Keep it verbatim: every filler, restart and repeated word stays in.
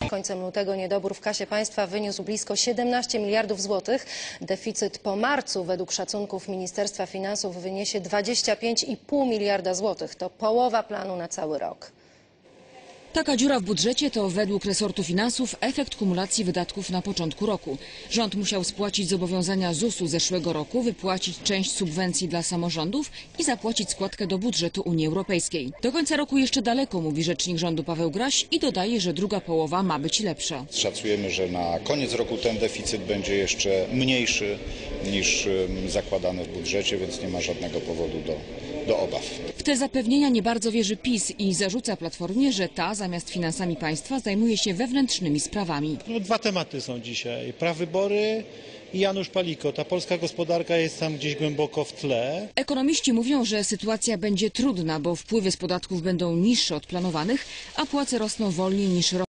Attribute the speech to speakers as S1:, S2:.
S1: Końcem lutego niedobór w kasie państwa wyniósł blisko siedemnaście miliardów złotych. Deficyt po marcu według szacunków Ministerstwa Finansów wyniesie dwadzieścia pięć i pół miliarda złotych. To połowa planu na cały rok.
S2: Taka dziura w budżecie to według resortu finansów efekt kumulacji wydatków na początku roku. Rząd musiał spłacić zobowiązania zusu zeszłego roku, wypłacić część subwencji dla samorządów i zapłacić składkę do budżetu Unii Europejskiej. Do końca roku jeszcze daleko, mówi rzecznik rządu Paweł Graś i dodaje, że druga połowa ma być lepsza.
S3: Szacujemy, że na koniec roku ten deficyt będzie jeszcze mniejszy niż zakładane w budżecie, więc nie ma żadnego powodu do, do obaw.
S2: W te zapewnienia nie bardzo wierzy PiS i zarzuca Platformie, że ta zamiast finansami państwa zajmuje się wewnętrznymi sprawami.
S4: No, dwa tematy są dzisiaj. Prawybory i Janusz Paliko. Ta polska gospodarka jest tam gdzieś głęboko w tle.
S2: Ekonomiści mówią, że sytuacja będzie trudna, bo wpływy z podatków będą niższe od planowanych, a płace rosną wolniej niż